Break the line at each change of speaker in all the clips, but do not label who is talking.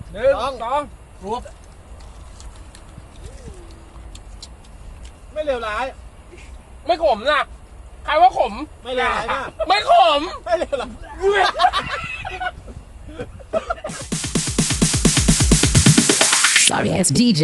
1 2รวบ
ไม่เลวร้าย
ไม่ขมนะใครว่าขม
ไม่เลวร้ายมาก
ไม่ขม
ไม่เลวร้าย
Sorry ass DJ.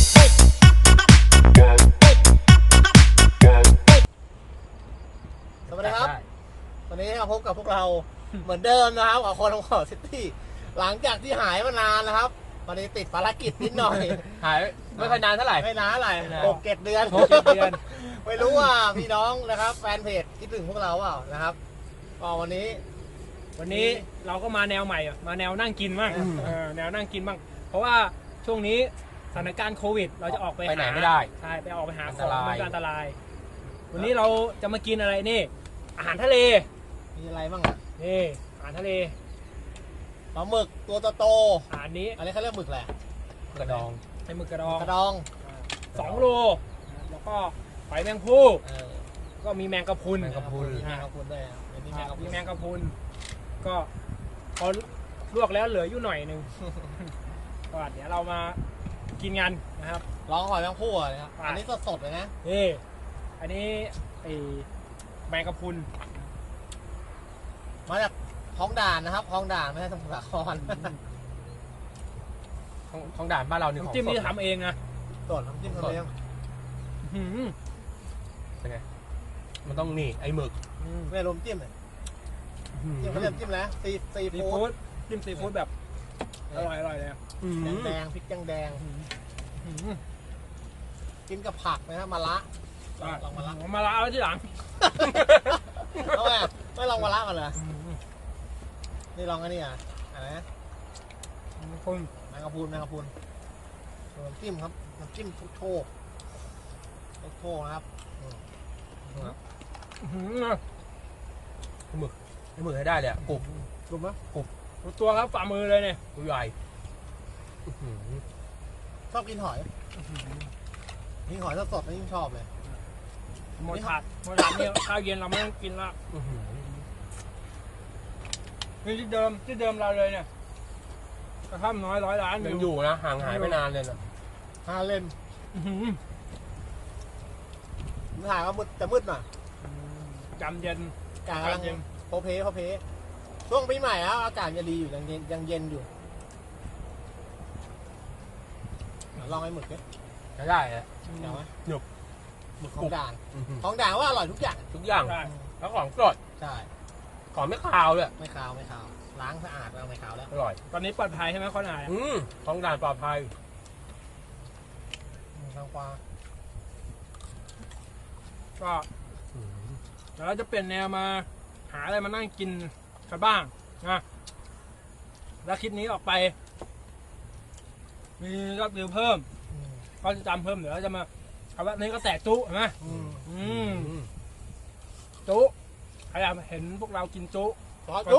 สวัสดีครับวันนี้มาพบกับพวกเราเหมือนเดิมนะครับกับคนของขอซิตี้หลังจากที่หายมานานนะครับวันนี้ติดภารกิจนิดหน่อย
หายไม่ค่อยนานเท่าไหร่
ไม่นานอะไร
ไม่นาน
6-7 เดือน
6-7 เดือน
ไม่รู้ว่าพี่น้องนะครับ แฟนเพจคิดถึงพวกเราเปล่านะครับก็วันนี้
วันนี้เราก็มาแนวใหม่มาแนวนั่งกินบ้างแนวนั่งกินบ้างเพราะว่าช่วงนี้สถานการณ์โควิด เราจะออกไป
ไหนไม่ได้
ใช่ไปออกไปหา
อัน
ข
ต
อง
ราย
มันก็อันตราย วันนี้เราจะมากินอะไรนี่ อาหารทะเล
มีอะไรบ้างอ่ะ
นี่อาหารทะเล
ปลาหมึกตัวโต
อาหารนี้
ๆอันนี้เขาเรียกหมึกแหละ
กระดอง
เป็นหมึกกระดอง
กระดอง
2 โลแล้วก็หอยแมงภู่
เออ
ก็มีแมงกะพรุน
แมงกะพรุน
มีแมงกะพรุนด้วยอ่ะมีแมงกะพรุ
มี
น
แมงกะพรุนก็พอลวกแล้วเหลืออยู่หน่อยหนึง ก็เดี๋ยวเรามากินกันนะครับ
ลองหอยแมงภู่อ่ะนะครับ
อ่ะ
อันนี้สดๆเลยนะ
นี่อันนี้ไอแมงกะพรุน
มาจากท้องด่านนะครับท้องด่านไม่ใช่สมุทรสาคร
ของด่านบ้านเรานี่ของ
น้ำจิ้มนี่
สด
ทำเองนะ
สดน้ำจิ้มทะเล
อื้อหือ
เป็นไงมันต้องนี่ไอ้หมึก
ไม่รวมจิ้มเลยจิ้มเขาเรียกจิ้มแล้วซี
ซี
ฟู้
ฟู้
ด
ดจิ้มซีฟู้ดแบบอร่อยเลยอะ
แดงๆพริกแดง
อื้อหือ
ๆกินกับผักนะครับมะระลองมะระ
มาละเอาไว้ที่หลัง
เอาไงไม่ลองมะระกันเลยนี่ลองอันนี้อ่ะอะไรนะ
คน
แมงกะพรุนน้ำจิ้มครับน้ำจิ้มโชคนะครับ
อื้อหือ
ไอ้หมึกให้ได้เลยอะกรุบ
กลุ่มไหม
ดูตัวครับฝ่ามือเลยเนี่ย
ตัวใหญ่อื้อหือ
ชอบกินหอยยิ่งหอยสดๆนี่ยิ่งชอบเลย
หมดถาดเนี่ยข้าวเย็นเราไม่ต้องกินละ
อื้อหือ
นี่ที่เดิมเราเลยเนี่ยกระท่อมน้อย100 ล้าน
ยังอยู่นะห่างหายไปนานเลยนะ
ฮาเล่น
อื้อหือ
ถ่ายว่ามืดจะมืดหน่อย
จำเย็น
อากาศกำลังโพเพช่วงปีใหม่แล้วอากาศยังดีอยู่ยังเย็นอยู่ลองไอ้หมึกดิ
ใช้ได้อะ
เดี๋ยวไหม
หนึบ
หมึกของด่าง
อื้อหือ
ของด่างว่าอร่อยทุกอย่าง
ทุกอย่าง
ได้
แล้วของสด
ใช่
ของไม่คาวเลย
ไม่คาวล้างสะอาดแล้วไม่คาวแล้ว
อร่อย
ตอนนี้ปลอดภัยใช่ไหมคนหาย
ของด่านปลอดภัย
ทางกวา
ก็เดี๋ยวเราจะเปลี่ยนแนวมาหาอะไรมานั่งกินกันบ้างนะแล้วคลิปนี้ออกไป มียอดวิวเพิ่มก็จะจำเพิ่มเดี๋ยวเราจะมาเอาว่านี้ก็แตกจุเห็นไหมจุใครอยากเห็นพวกเรากินจุ
ซอสยุ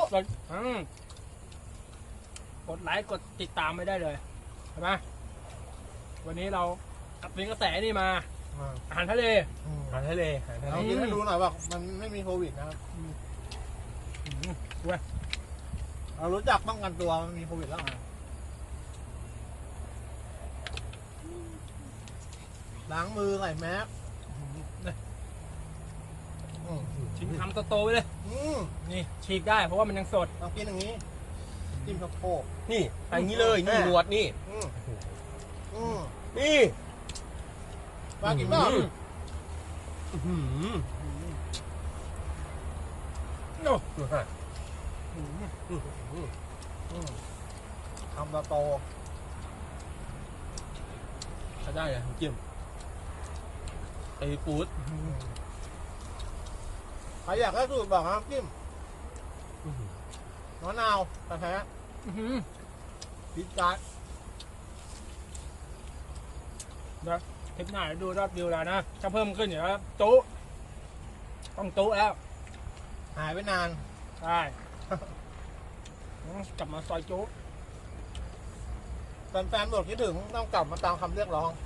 กดไลค์กดติดตามไม่ได้เลยเห็นไหมวันนี้เราอัดเป็นกระแสนี่มาอาหารทะเล
อาหารทะเลอาหารทะเล
เรากินให้ดูหน่อยว่ามันไม่มีโควิดนะครับเรารู้จักป้องกันตัวมันมีโควิดแล้วล้างมือใส่แมส
ชิ้นคำโตๆไปเลย นี่ฉีกได้เพราะว่ามันยังสด
ต้องกินอย่างนี้จิ้มข้าวโพด
นี่ไปอย่างนี้เลยนี่หนวดนี่ นี่
ว่ากินบ้าง
อื้อหือ
โอ้
ดูฮะ
ทำโต
ใช้ได้เลยน้ำจิ้มไอ้ฟู้ด
ใครอยากได้สูตรบอกนะครับจิ้มมะนาวกระแทะ
อื้อหือ
พริกการ์ด
คลิปหน้าเดี๋ยวดูยอดวิวแล้วนะถ้าเพิ่มขึ้นเดี๋ยวจุต้องจุแล้ว
หายไปนาน
ใช่กลับมาซอยจุ
แฟนๆบอกคิดถึงต้องกลับมาตามคำเรียกร้อง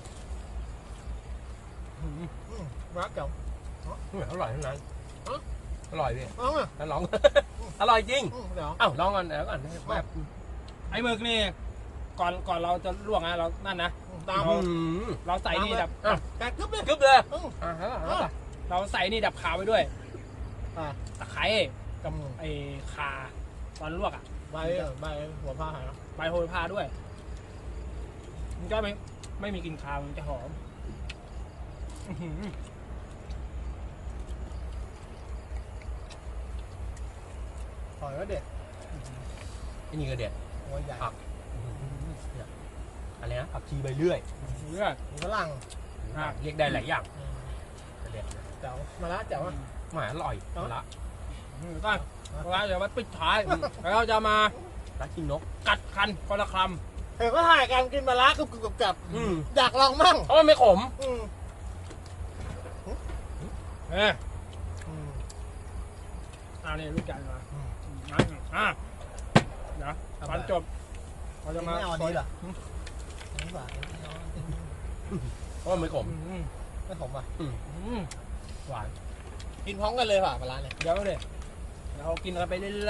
รักเก่า
อร่อยทั้งนั้นอร่อยพี่
เอาไง
ถ้าลอง อร่อยจริง
เดี๋ยว
อ้าวลองก่อนเดี๋ยวก่อนแบบ
ไอ้หมึกนี่ก่อนเราจะลวกนะเรานั่นนะ
ตาม
เราใส่นี่ดับ
อ่ะ
แกกึ๊บเลย
กึ๊บเลย
อืม
อ่ะฮะ
เราใส่นี่ดับขาวไปด้วย
อ่ะ
ตะไคร้กับไอ้ข่าตอนลวกอ่ะ
ใบหัวผ้าหายแล้ว
ใบโหระพาด้วย มันก็ไม่มีกลิ่นคาวมันจะหอมอื้อหือ
หอยก็เด็ด
ไอ้นี่ก็เด็ด
หัวใหญ่
ผักเนี่ยอะไรนะผักชีใบเลื่อย
เลือด
มีฝรั่ง
อ่ะ
เรียกได้หลายอย่างเด็ดนะ
เจ๋วมาละเจ๋วอ่ะ
หมาอร่อยละ
ตั้งเดี๋ยวมาปิดท้ายแล้วเราจะมา
รักกินนก
กัดคันคนละค
เห็นก็ถ่ายกันกินมาละกึบกับ
อืม
อยากลองมั่ง
เพราะมันไม่ขม
อืม
ำเอ๊ะ
อืม
นี่ลูกใหญ่มา
อืม
เดี๋ยวตอนจบเราจะมา
ไม่เอาอันนี้เหรอนี่หวาน
เพราะมันไม่ขม
ไม่ขมอ่ะ
หวาน
กินพร้อมกันเลยป่ะปลาร้าเนี่ย
เดี๋ยวเลยเรากินกันไปเรื่อย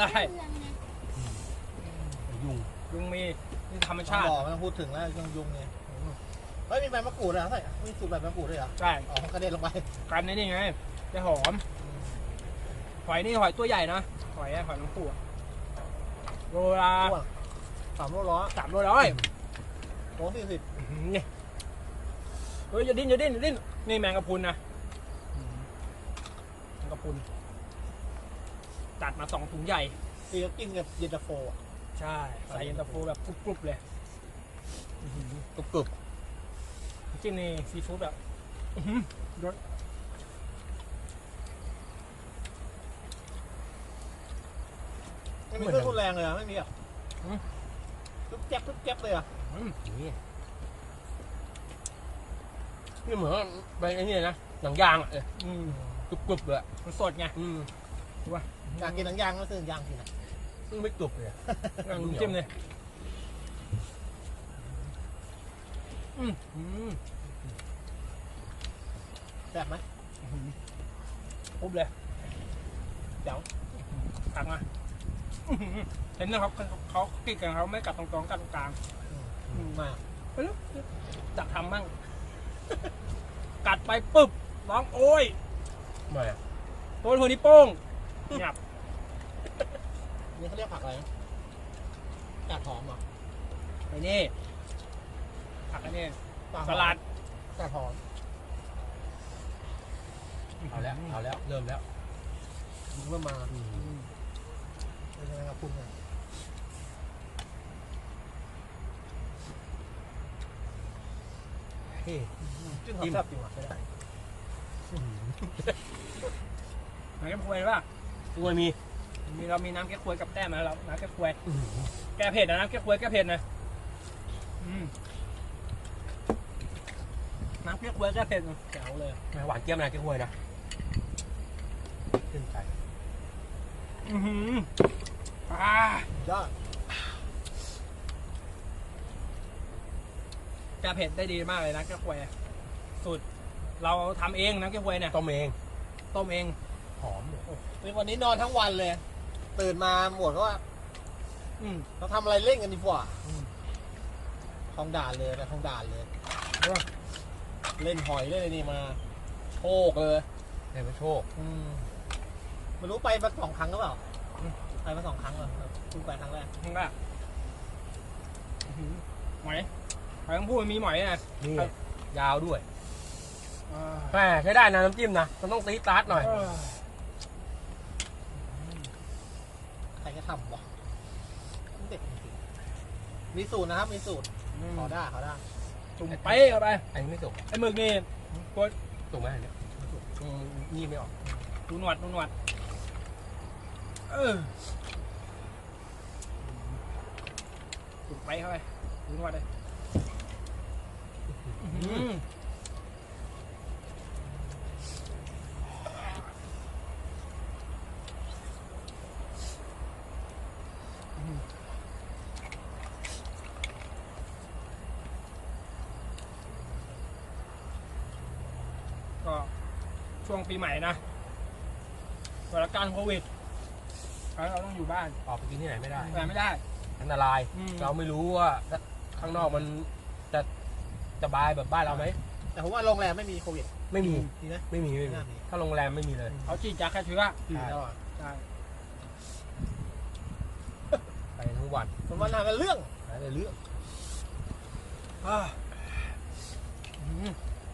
ยุง
ๆยุงมีนี่ธรรม
ต้อ
ชาง ติ
บอกไม่ต้องพูดถึงแล้วเครื่องยุงเนี่ยเฮ้ยมีใบมะกรูดเหรอใส่มีสูตรใบมะกรูดด้วยเหรอ
ใช่
อ๋อกระเด็นลงไป
กันนี่ไงจะหอมหอยนี่หอยตัวใหญ่นะหอยน้ำปูอะโลละ
อ้วน3 โล
300
โล40
นี่เฮ้ยอย่าดิ้นนี่แมงกะพรุนนะแมงกะพรุนจัดมา2 ถุงใหญ่
ตีก็กินกับเย็นตาโฟอ่ะ
ใช่ใส่เย็นตาโฟแบบกรุบๆเลย
กรุบกรุบ
จิ้มนี่ซีฟู้ดแบบอื้อหือรส
ไม่มีเครื่องทุนแรงเลยอ่ะไม่มีอ่ะทุบแจ๊บเลยอ่ะ
นี่นี่เหมือนใบไอ้นี่นะหนังยางอ่ะ
อืม
กรุบกรุบเลย
มันสดไง
อยากกินหนังยางก็ซื้อหนังยางกินอ่ะ
ซึ่งไม่กรุบเลย
จิ้มเลยอืม
แซ่บไหม
ปุ๊บเลย
เจ๋ว
ตักมาอื้อหือเห็นนะครับเขากินกันเขาไม่กัดตรงๆกัดตรงกลาง
มาก
ไปแล้วจักทำมั่ง กัดไปปุ๊บร้องโอ้ย
ไม่อะ
ตัวหัวนิ้วโป้งหยับ
นี่เขาเรียกผักอะไรนะกาดหอมเหรอ
ไปนี่ผักอันนี้
กาดห
ส
อม
ลัด
กาดหอม
เอาแล้วเริ่มแล้ว
เมื่อมาเป็นยังไงครับคุณเนี่ยเฮ้ยจิ้มหอมแซ่บจริงว่ะใช่ได้
ไหนแก้ควยป่ะ
ตัวมี
เรามีน้ำแก้ควยกับแต้มนะเราน้ำแก้ควยแก้เผ็ดนะน้ำแก้ควยแก้เผ็ดนะน้ำแก้ควยแก้เผ็ดแจ๋วเลย
หวานเจี๊ยบนะแกงหวยนะขึ้นใจ
ยอด
แก้เผ็ดได้ดีมากเลยนะแก้ควยสูตรเราทำเองน้ำแก้ควยเนี่ย
ต้มเอง
ต้มเอง
หอม
วันนี้นอนทั้งวันเลย ตื่นมาหมดก็ว่าเราทำอะไรเล่นกันดีกว่าคลองด่านเลยไปคลองด่านเลย เล่นหอยเล่นอะไรนี่มาโชคเลย
ได้มาโชค
ไม่รู้ไปมา2 ครั้งหรือเปล่าไปมา2 ครั้งเหรอเพิ่งไปครั้งแรก
มึงก็หมอยหอยต้องพูดมันมีหมอยนะ
นี่ยาวด้วยแหมใช้ได้นะน้ำจิ้มนะมันต้องตีตาร์ทหน่อย
ใครจะทำวะเด็กจริงๆมีสูตรนะครับมีสูตรขอได้
จุ่มเป๊ะเข้าไป
อันนี้ไม่สุก
ไอ้หมึกนี่ตัว
สุกไหมอันเนี้ยนี่ไม่ออก
ดูหนวดจุ่มเป๊ะเข้าไปดูหนวดเลยก็ช่วงปีใหม่นะสถานการณ์โควิดเราต้องอยู่บ้าน
ออกไปกินที่ไหนไม่ได้
แต่ไม่ได้
อันตราย เราไม่รู้ว่าใคข้างนอกมันจะสบายแบบบ้านเราไหม
แต่ผมว่าโรงแรมไม่มีโควิด
ไม่มี
ดีนะ
ไม่มีไม่มี
ไม่น่ามี
ถ้าโรงแรมไม่มีเลย
เขาฉีดยาฆ่าเชื้อ
ดีตลอด
ใช่
ไปทั้งวัน
ผมว่าน่าเป็นเรื่อง
หาแต่เรื่อง
อ่าอืม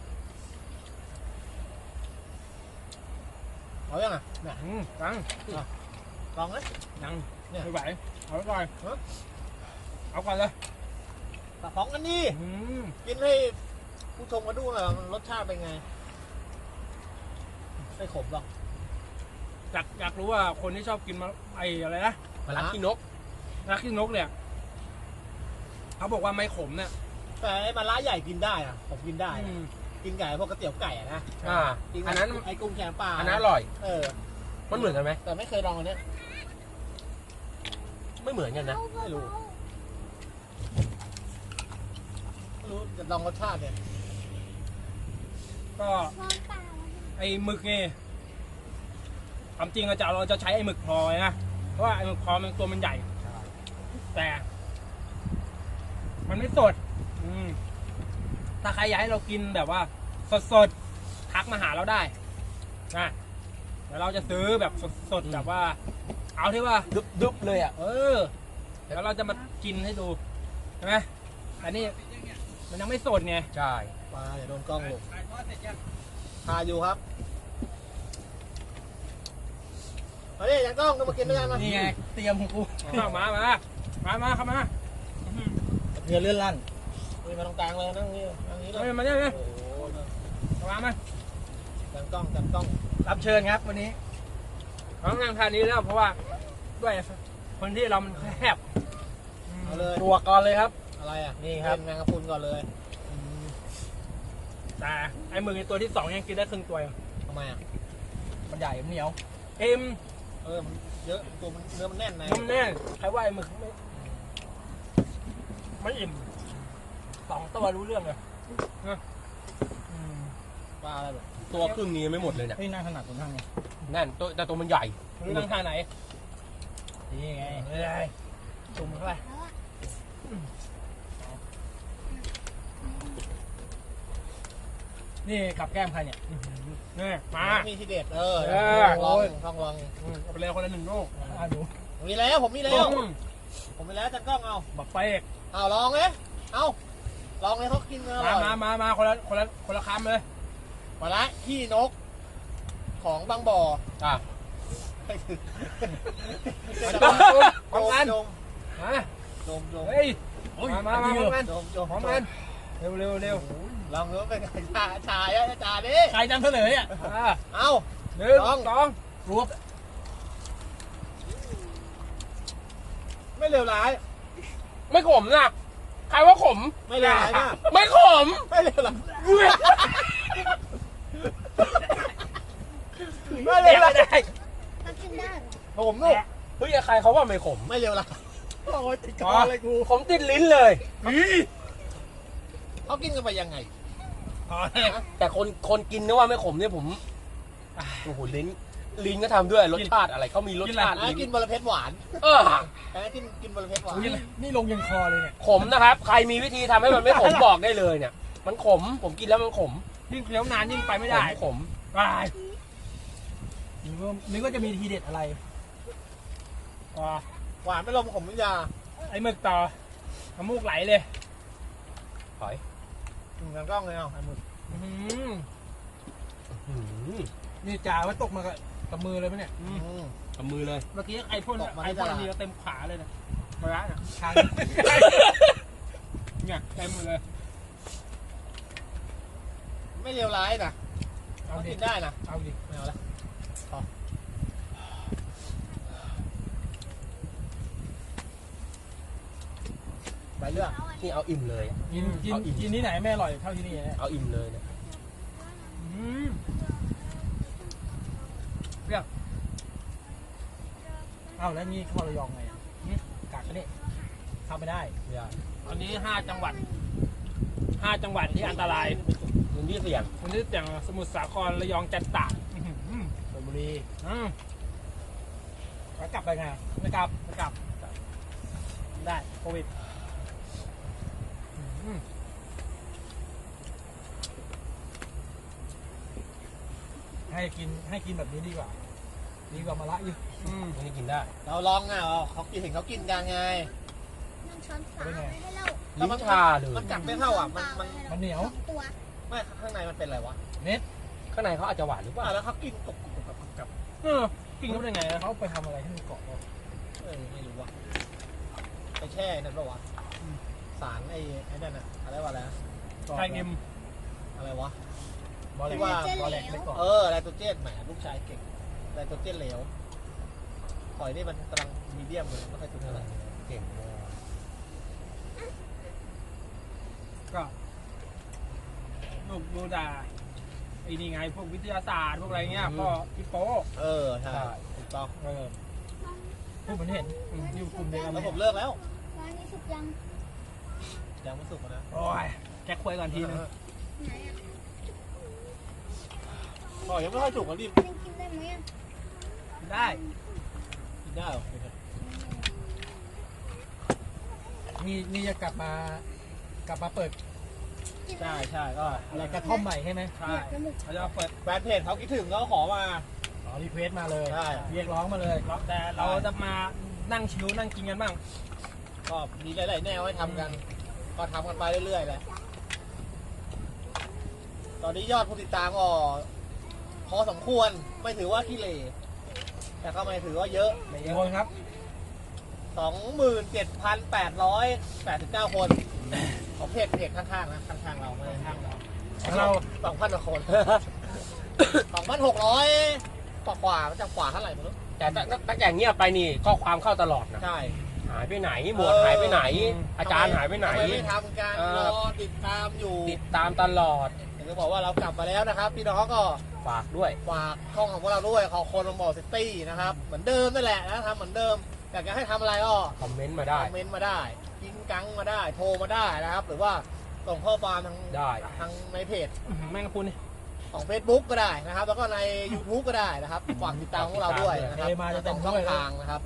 เอายังอ่ะเนี่ย
ยัง
ลองนะ
ยัง
เนี่ย
ไม่ไหวเอาไว้ก่อน
ฮะ
เอาก่อนเลย
ตะของกันนี่
อืม
กินให้ผู้ชมมาดูหน่อยว่ารสชาติเป็นไงไม่ขมหรอก
อยากรู้ว่าคนที่ชอบกินมาไอ้อะไรนะ
มาลักขี้นก
รักขี้นกเนี่ยเขาบอกว่าไม่ขมเนี่ย
แต่ไอ้มะระใหญ่กินได้อะผมกินได้
อืม
กินไก่พวกก๋วยเตี๋ยวไก่อะนะ กิน
อันนั้น
ไอ้กุ้งแกงปลา
อันนั้นอร่อย
เออ
มันเหมือนกันไหม
แต่ไม่เคยลองอันเนี้ย
ไม่เหมือนกันนะ
ไม่รู้จะลองรสชาติเนี่ย
ก็ไอ้หมึกนี่ความจริงเราจะใช้ไอ้หมึกพลอยนะเพราะว่าไอ้หมึกพลอยมันตัวมันใหญ่ แต่ มันไม่สด ถ้าใครอยากให้เรากินแบบว่าสดๆทักมาหาเราได้นะเดี๋ยวเราจะซื้อแบบสดๆแบบว่า เอาที่ว่า
ดุบเลยอ่ะ
เออแล้วเราจะมากินให้ดูใช่ไหมอันนี้มันยังไม่สดไง
ใช่
ปลาอย่าโดนกล้องลงทาอยู่ครับมาดิยังกล้องก็มากินด้วยกันมา
นี่ไงเตรียมของกูมาเข้ามา
เรือเลื่อนลั่นนี่มาตรงกลางเลยนั่งนี่นั่งนี้เลย
มาเนี่ย
โอ้โห
เข้ามา
กันกล้องกันกล้อง
รับเชิญครับวันนี้เราต้องนั่งทานนี้แล้วเพราะว่าด้วยคนที่เรามันแคบ
เอาเลย
ตัวก่อนเลยครับ
อะไรอ่ะ
นี่ครับ
เป็นแมงกะพรุนก่อนเลย
แต่ไอ้หมึกในตัวที่สองยังกินได้ครึ่งตัวเอง
ทำไมอ่ะ
มันใหญ่เหนียวเอ็ม
เออมันเยอะตัวมันเนื้อมันแน่นใน
น้ำแน่นใครว่าไอ้หมึกไม่อิ่มสองตัวรู้เรื่องเลย
ปลาอะไรแบบ
ตัวครึ่งนี้ไม่หมดเลยเนี่ย
เฮ้ยนั่งขนาดตรงนั่งไง
นั่นตัวแต่ตัวมันใหญ่
รู้นั่งท่าไหนนี่ไงเลยจุ่มเข้าไปนี่กับแก้มใครเนี่ยนี่มา
มีทีเด็ดเออ
เออ
ลองลอง
เอาไปเลยคนละหนึ่งลูกดู
มีแล้วผมมีแล้วผมมีแล้วจันกล้องเอา
บักเป๊ก
เอาลองเลยเอาลองเลยเขากินอร่อย
มาคนละคำเลย
มาละขี้นก ของบางบ่อ
อ่ะ
ดม
พร้อมกัน
ดม
มา
ดมดม
เฮ้ยมาพร้อมกัน
ดมดม
พร้อมกันเร็ว
ลองดูว่าเป็นไงชายอะชาดิ
ใครจำเฉลยอ่ะ
เอา
หนึ่งสองรวบ
ไม่เลวร้าย
ไม่ขมนะใครว่าขม
ไม่เลวร้ายมาก
ไม่ขม
ไม่เลวร้ายไม่เลวร้าย
ได้
ผมลูก
เฮ้ยใครเขาว่าไม่ขม
ไม่เลวร้ายโอ้ยติดคอเลยกู
ขมติดลิ้นเลย
เขากินกันไปยังไง
แต่คนกินนะว่าไม่ขมเนี่ยผมโอ้โหลิ้นก็ทำด้วยรสชาติอะไรเขามีรสชาติ
อัน
ลิ้
นั้น
น
กินบอระเพ็ดหวาน
เออ
อันนั้นกินบอระเพ็ดหวาน
นี่ลงยังคอเลยเนี่ย
ขมนะครับ ใครมีวิธีทำให้มันไม่ขมบอกได้เลยเนี่ย มันขมผมกินแล้วมันขม
ยิ่งเคี้ยวนานยิ่งไปไม่ได้
ขม
ไปนึกว่าจะมีทีเด็ดอะไรก็
หวานไม่ลมขมวิทยา
ไอ้หมึกต่อน้ำมูกไหลเลย
ถอย
กันกล้องเลยเอาไอ้หมึก
นี่จ่าว่าตกมากับมือเลยไหมเนี่ย
กับมือเลย
เมื่อกี้ไอ้พ่นไอ้พ่นนี่เต็มขาเลยนะกระเนี่ยชาเนี่ยเต็มเลย
ไม่เลวร้ายนะ
เอา
เขา
ดิ
กินได้นะ
เอาดิ
ไม่เอาละพอไปเรื่อง
นี่เอาอิ่มเลย
กินที่ไหนไม่อร่อยเท่าที่นี่เนี่ย
เอาอิ่มเลยเนี่ย
เปรี้ยวเอาแล้วนี่เข้าระยองไงกักกันนี่เข้าไม่ได้
ไม่ได้
ตอนนี้5 จังหวัดที่อันตราย
พื้นที่เสี่ยง
วันนี้อย่างสมุทรสาครระยองจันทร์ตากชลบุรีแล้วกลับไปไงไม่กลับได้โควิด
ให้กินแบบนี้ดีกว่ามาละอยู่
อันนี้กินได้
เราลองอ่ะเขากินเห็นเขากินกันไง
นั่งช้อนฝาไว้ให้เรา
ลิ้นชาเลย
มันกัดไม่เท่าอ่ะมัน
มันเหนียว
สองตัว
ไม่ข้างในมันเป็นอะไรวะ
เน็ต
ข้างในเขาอาจจะหวานหรือเปล่า
แล้วเขากินกบกับ
กินเขาได้ไงนะ
เขาไปทำอะไรให้มันเกาะวะ
ไม่รู้ว่ะไปแช่นั่นปะวะสารไอ้นั่นอ่ะอะไรวะอะไรนะ
ไทยเอ็ม
อะไรวะ
บอลแหลก
ที่ว่า
บอลแหลกไปเกาะ
ไลโตรเจนแหมลูกชายเก่งไลโตรเจนเหลวหอยนี่มันกำลังมีเดียมเลยไม่ค่อยถึงเท่าไหร่
เก่งมาก
ก็ดูด่าไอ้นี่ไงพวกวิทยาศาสตร์พวกอะไรเงี้ยก็พี่โป๊
ใช่ถูกต้อง
พูดเหมือนเห็นอยู่กลุ่มเดียวกัน
แล้วผมเลิกแล้ว
ร้านนี้สุกยัง
ยังไม่สุกนะ
โอ้ยแจ็คคุยก่อนทีนึง
ไหนอ่ะ
หอยยังไม่ค่อยสุกอ่ะดิ
ยังกินได้ไหมอ่ะ
ได้
กินได้เหรอ
นี่จะกลับมาเปิด
ใช่ก็
อะไรกระท่อมใหม่ใช่ไหม
ใช่เขาจะเปิด
แฟนเพจเขาคิดถึงเขาขอมา
อ๋อรีเควสมาเลย
ใช่
เรียกร้องมาเลย
แต่เราจะมานั่งชิวนั่งกินกันบ้าง
ก็มีหลายๆแนวให้ทำกัน ก็ทำกันไปเรื่อยๆแหละตอนนี้ยอดผู้ติดตามก็พอสมควรไม่ถือว่าขี้เหร่แต่ก็ไม่ถือว่าเยอะ
กี่คนครับ
27,889 คนของเพจข้างๆนะข้างๆเราไม่ใช่ข้างเรา
เรา
2,000 กว่าคน 2,600 กว่ามันจะกว่าเท่าไหร่ไม่รู้
แต่ตั้งแต่เงียบไปนี่ข้อความเข้าตลอดนะ
ใช่
หายไปไหนหมวดหายไปไหน อาจารย์หายไปไหน
ทำมไม่ทำกัน
เออ
รอติดตามอยู่
ติดตามตลอด
อยากจะบอกว่าเรากลับมาแล้วนะครับพี่น้องก็
ฝากด้วย
ฝากช่องของพวกเราด้วยขอคนลงบอกซิตี้นะครับเหมือนเดิมนั่นแหละนะทำเหมือนเดิมอยากจะให้ทำอะไรก็
คอมเมนต์มา
ค
ได้
อมเมนต์มาได้ยิงกังมาได้โทรมาได้นะครับ หรือว่าส่งข้อความทาง
ได้
ทางในเพจ
แม่งกระพุนนี่
ของ Facebook ก็ได้นะครับ แล้วก็ใน YouTube ก็ได้นะครับฝากติดตามพวกเราด้วยนะครับ
มาจะ
ส
เต็
อ
ม
ง
ด้
ช่อ
วย
ง
นะ
ทางนะครับ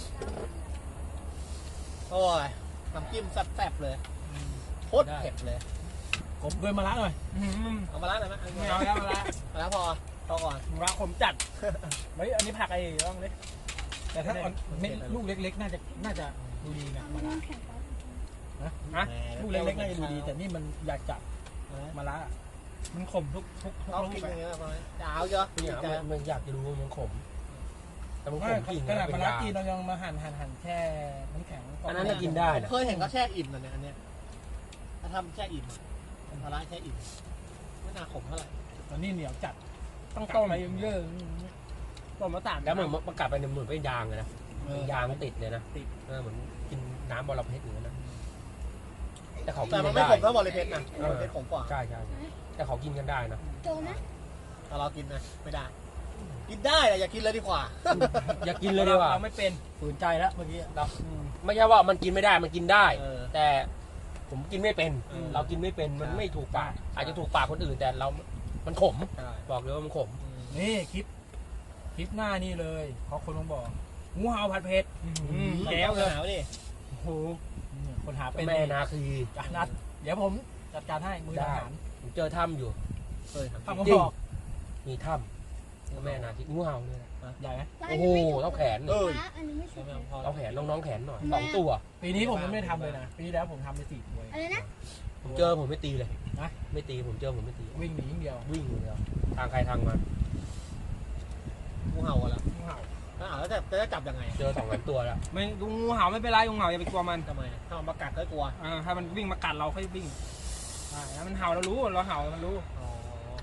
โอ้ยน้ำจิ้มแซ่บๆเลยโคตรเผ็ดเลย
ผมด้วยมาละหน่อย
เอามาล้างหน่อยไหม
ไม่เอาแล้วมาละ
มาแล้วพอก่อน
มาผมจัดเฮ้ยอันนี้ผักไอ้ร่องเล็ก
แต่ถ้าเม็ดลูกเล็กๆ น่าจะดูดีนะมาละ
แข็งไป
นะ
ลูกเล็กๆน่าจะดูดีแต่นี่มันอยากจับมาละ
มันขมทุก
เขา
ลู
กิน
ก
อย่างเงี้ยมาจะเอาเยอะ
เนี่ยมันอยากจะรู้ว่ามันขม แต่มันข
ไม่
มจริง
ขนา
นะ
ด
เป็
มาน ละ
ยา
กินเรายังมาหั่นแช่น้ำแข็ง
อันนั้นน่ะกินได้นะ
เคยเห็นเขาแช่อิ่มนะเนี่ยอันเนี้ยถ้าทำแช่อิ่มเป็นพาราแช่อิ่มไม่น่าขมเท่าไหร่
ตอนนี้เหนียวจัด
ต้องต้ม
ไปเยอะ
ต้มมาตาม
แล้วเหมือนมันกัดไปเหมือนเป็นยางเลยนะยางติดเลยนะเหมือนกินน้ำบอระเพ็ดอย่างนั้นนะแต่เขากิ
แต่
น
มั
กัน น
ไม่
ได้
ขมเท่าบอลเลเพชรนะบอลเลเพชรขมกว่า
ใช่แต่เขากินกันได้นะ
โจนะ
แต่เรากินนะไม่ได้ กินได้แต่อย่ากินเลยดีกว่า
อยากกินเลยดีกว่า
เราไม่เป็น
ฝืนใจแล้วเมื่อกี้
ไม่ใช่ว่ามันกินไม่ได้มันกินได้
เออ
แต่ผมกินไม่เป็น
อืม
เรากินไม่เป็นมันไม่ถูกปากอาจจะถูกปากคนอื่นแต่เรา มันขม
ใช่
บอกเลยว่ามันขม
นี่คลิปหน้านี่เลยเพราะคนต้องบอกงูเห่าผัดเผ็ด
แก้วเลยหนาวดิ
โอ้โหคนหาเป็น
แม่นาคี
จานัดเดี๋ยวผมจัดการให้มือทหาร
ผมเจอถ้ำอยู่
เคย
ทำกระ
จริ
บ
ง
อก
มีถ้ำแม่นาคีงูเห่าเนี่ยนะ
ใหญ่ไหม
โอ้โหเท่าแขน
เอ
เลย
อ
อันนี้ไม่สุก
ไม่เอาพอแล้
เท่าว แขนน้องๆแขนหน่อย
แม่
2 ตัว
ปีนี้ผมยังไม่ได้ทำเลยนะปีที่แล้วผมทำไป4ตัว
อะไรนะ
ผมเจอผมไม่ตีเลย
นะ
ไม่ตีผมเจอผมไม่ตี
วิ่งหนีอย่างเดียว
วิ่งอย่างเดียวทางใครทางมัน
งูเห่าอะแล้ว
งูเห่า
แล้วจะจับยังไง
เจอ2 ตัวแล้ว
ไม่งูเห่าไม่เป็นไรงูเห่าอย่าไปกลัวมัน
ทำไมถ้ามันมากัดก็กลัว
ถ้ามันวิ่งมากัดเราค่อยวิ่งใช่แล้วมันเห่าเรารู้เราเห่ามันรู้
อ๋อ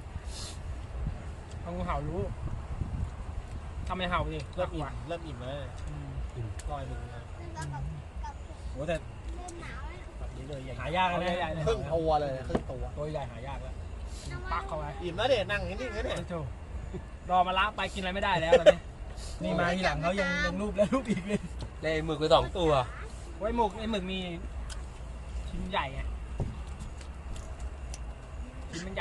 เอางูเห่ารู้ทำไมเห่าดิ
เริ่มอิ่มแล้วลอยมึงนะ
โอ้แต่
เริ่มหนาวแล้ว
แบบนี้เลยใหญ่
หายากเลยนะ
ครึ่งตัวเลยครึ่งตัว
ตัวใหญ่หายากแล้ว
ปักเข้าไป
อิ่มแล้วเด็นั่งนิ่งๆเนี่ย
โถ่
รอมาละไปกินอะไรไม่ได้แล้วตอนนี้
นี่มาทีหลังเขายังรูปแล้วรูปอีกเลย
ได้หมึกไป2 ตัว
ไว้ไอ้หมึกมีชิ้นใหญ่ไงชิ้นมันใหญ่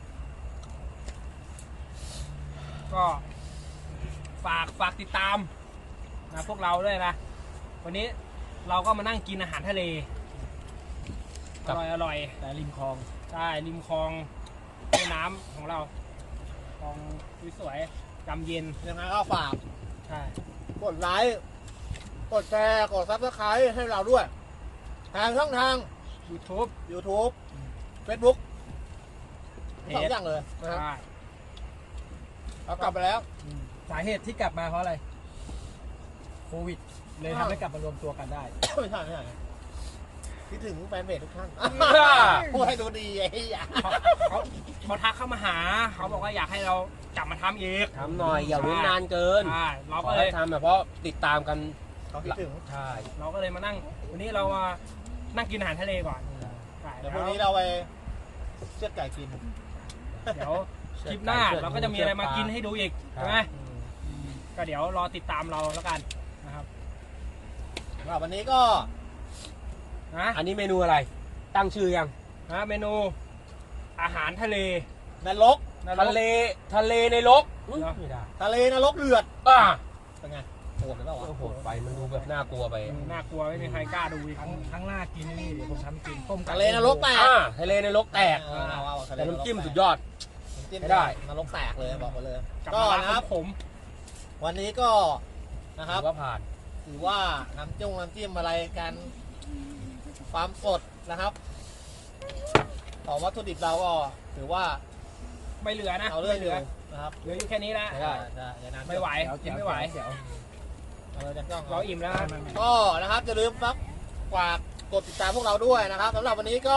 ก็ฝากติดตามนะพวกเราด้วยนะวันนี้เราก็มานั่งกินอาหารทะเล
ครับ
อร่อย
แต่ริมคลอง
ใช่ริมคลองแม่น้ำของเราคลองสวยๆจำเย็น
ยังไงก็ฝาก
ใช่
กดไลค์ กดแชร์ กดซับสไครต์ให้เราด้วย ทางช่องทาง
YouTube
YouTube Facebook
เพ
สอง
จ
อย่างเลยนะครับ
ใช่
เรากลับไปแล้ว
สาเหตุที่กลับมาเพราะอะไรโควิด เลยทำให้กลับมารวมตัวกันได้
ไม่ใช่คิดถึงแฟนเพจทุกท่านพูดให้ดูดีไอ้เหี้ย
เขาทักเข้ามาหา เขาบอกว่าอยากให้เรากลับมาทำอีก
ทำหน่อยอย่าเว้นนานเกิน
ใช่เรา
ข
ก็
อ
เล
ให้
ย
ทำแบบเพราะติดตามกัน
เขาคิดถึง
ใช่
เราก็เลยมานั่ง วันนี้เรามานั่งกินอาหารทะเลก่อนใช่
เดี๋ยวพ
แล้
รุ่
ว
งนี้เราไปเชือดไก่กิน
เดี๋ยวคลิปหน้าเราก็จะมีอะไรมากินให้ดูอีกใช่ไหมก็เดี๋ยวรอติดตามเราแล้วกันนะครับ
สำหรับวันนี้ก็
นะ
อันนี้เมนูอะไร ตั้งชื่อยัง
นะเมนูอาหารทะเล
นรก
ทะเลในรกอุ๊ย
เหรอ
ไม่ได้
ทะเลนรกเดือด
อ่า
เป็นไงโหดหรือเปล่าวะ
โหดไปมันดูแบบน่ากลัวไป
น่ากลัวไม่มีใครกล้าดูอีก
ทั้งหน้ากินนี่เดี๋ยวผมทำให้กินต้มไก่
ทะเลนรกแตก
ทะเลในรกแตก
เอาทะเล
แต่น้ำจิ้มสุดยอด
น้ำจิ้ม
ไม่ได้
นรกแตกเลยบอกไปเลย
กลับ
ก็
มา
นะครับ
ผม
วันนี้ก็นะค
ถื
รับ
อว่าผ่าน
ถือว่าน้ำจิ้มอะไรกันความสดนะครับของวัตถุดิบเราก็ถือว่า
ไม่เหลือนะ
เอาเรื่อง
ไม่เห
อ
ลื
ยู่
อ
นะครับ
เหลืออยู่แค่นี้แล้ว
ได้
อย่านาน
ไม่ไหว
เดี๋ยว
กินไม่ไหว
เดี๋ยว
เอาเลยจากกล้อง
เราอิ่มแล้วนะ
ก็นะครับอย่าลืมฝากกดติดตามพวกเราด้วยนะครับสำหรับวันนี้ก็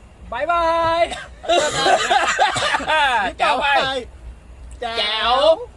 บายบาย
แจ๋วไป
แจ๋
แจ๋
ว
ว